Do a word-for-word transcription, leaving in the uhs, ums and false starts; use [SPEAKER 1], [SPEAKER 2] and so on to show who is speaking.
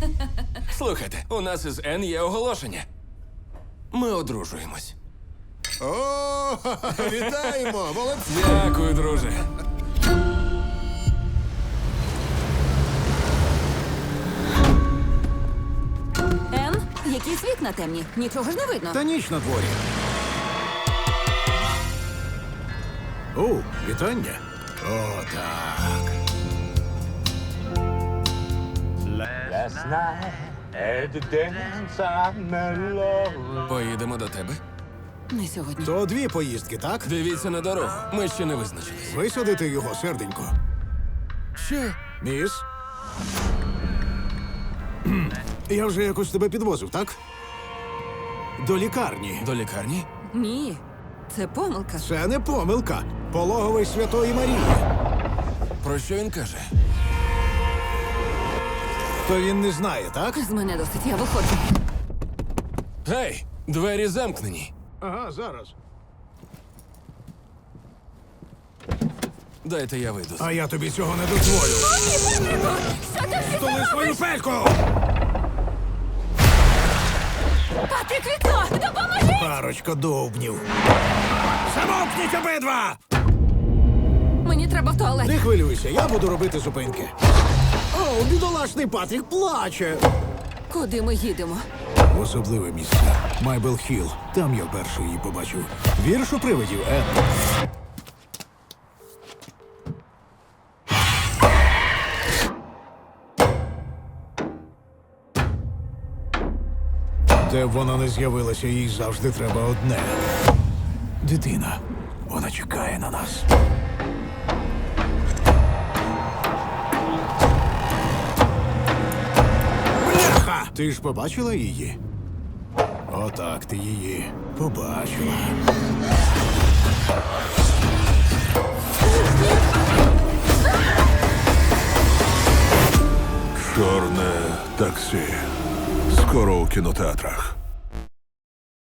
[SPEAKER 1] Слухайте, у нас із Н є оголошення. Ми одружуємось.
[SPEAKER 2] О, вітаємо! Молодці!
[SPEAKER 1] Дякую, друже.
[SPEAKER 3] Ен, якісь вікна темні. Нічого ж не видно.
[SPEAKER 2] Та ніч на дворі. О, вітання. О, так.
[SPEAKER 4] Last night at the dance I met love.
[SPEAKER 1] Поїдемо до тебе.
[SPEAKER 3] Не сьогодні.
[SPEAKER 2] То дві поїздки, так?
[SPEAKER 1] Дивіться на дорогу. Ми ще не визначились.
[SPEAKER 2] Висадити його, серденько.
[SPEAKER 1] Що?
[SPEAKER 2] Міс? Кхм. Я вже якось тебе підвозив, так? До лікарні.
[SPEAKER 1] До лікарні?
[SPEAKER 3] Ні, це помилка.
[SPEAKER 2] Це не помилка. Пологовий Святої Марії.
[SPEAKER 1] Про що він каже?
[SPEAKER 2] То він не знає, так?
[SPEAKER 3] З мене досить, я виходжу.
[SPEAKER 1] Гей, двері замкнені.
[SPEAKER 2] Ага, зараз.
[SPEAKER 1] Дайте я вийду.
[SPEAKER 2] А я тобі цього не дозволю.
[SPEAKER 3] Що ти всі
[SPEAKER 2] Столи свою пельку!
[SPEAKER 3] Патрік, вікно! Допоможи!
[SPEAKER 2] Парочка довбнів. Замовкніть обидва!
[SPEAKER 3] Мені треба в туалет.
[SPEAKER 2] Не хвилюйся, я буду робити зупинки. О, бідолашний Патрік плаче.
[SPEAKER 3] Куди ми їдемо?
[SPEAKER 2] В особливе місце. Майбел Хілл. Там я перший її побачив. Вірш у привидів, Ен. Де б вона не з'явилася, їй завжди треба одне. Дитина. Вона чекає на нас. Бляха! Ти ж побачила її? Отак ти її побачила.
[SPEAKER 5] Чорне таксі. Скоро у кінотеатрах.